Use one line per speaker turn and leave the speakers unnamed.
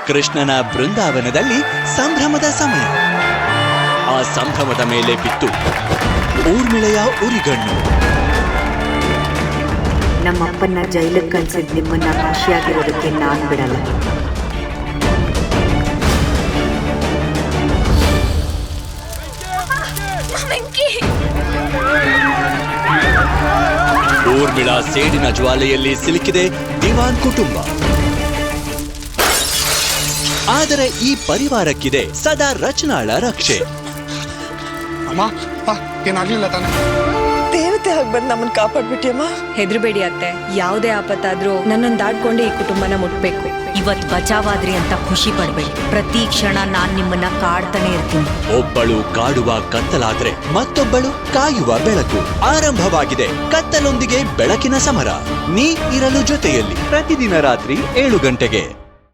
ಕೃಷ್ಣನ ಬೃಂದಾವನದಲ್ಲಿ ಸಂಭ್ರಮದ ಸಮಯ. ಆ ಸಂಭ್ರಮದ ಮೇಲೆ ಬಿತ್ತು ಊರ್ಮಿಳೆಯ ಉರಿಗಣ್ಣು.
ನಮ್ಮಪ್ಪನ್ನ ಜೈಲಿಗೆ ಕಳ್ಸಿದ್ ನಿಮ್ಮನ್ನ ಖುಷಿಯಾಗಿರೋದಕ್ಕೆ ನಾನ್ ಬಿಡಲ್ಲ.
ಊರ್ಮಿಳಾ ಸೇಡಿನ ಜ್ವಾಲೆಯಲ್ಲಿ ಸಿಲುಕಿದೆ ದಿವಾನ್ ಕುಟುಂಬ. ಆದರೆ ಈ ಪರಿವಾರಕ್ಕಿದೆ ಸದಾ ರಚನಾಳ ರಕ್ಷೆ.
ಏನಾಗ್ಲಿಲ್ಲ ತಾನೆ?
ದೇವತೆ ಆಗಿ ಬಂದು ನಮ್ಮನ್ನ ಕಾಪಾಡ್ಬಿಟ್ಟಿಯಮ್ಮ.
ಹೆದರ್ಬೇಡಿ ಅತ್ತೆ, ಯಾವುದೇ ಆಪತ್ತಾದ್ರೂ ನನ್ನನ್ನು ದಾಟ್ಕೊಂಡು ಈ ಕುಟುಂಬನ ಮುಟ್ಬೇಕು.
ಇವತ್ ಬಚಾವಾದ್ರಿ ಅಂತ ಖುಷಿ ಪಡ್ಬೇಡಿ. ಪ್ರತಿ ಕ್ಷಣ ನಾನ್ ನಿಮ್ಮನ್ನ ಕಾಡ್ತಾನೆ ಇರ್ತೀನಿ.
ಒಬ್ಬಳು ಕಾಡುವ ಕತ್ತಲಾದ್ರೆ ಮತ್ತೊಬ್ಬಳು ಕಾಯುವ ಬೆಳಕು. ಆರಂಭವಾಗಿದೆ ಕತ್ತಲೊಂದಿಗೆ ಬೆಳಕಿನ ಸಮರ. ನೀ ಇರಲು ಜೊತೆಯಲ್ಲಿ ಪ್ರತಿದಿನ ರಾತ್ರಿ 7 ಗಂಟೆಗೆ.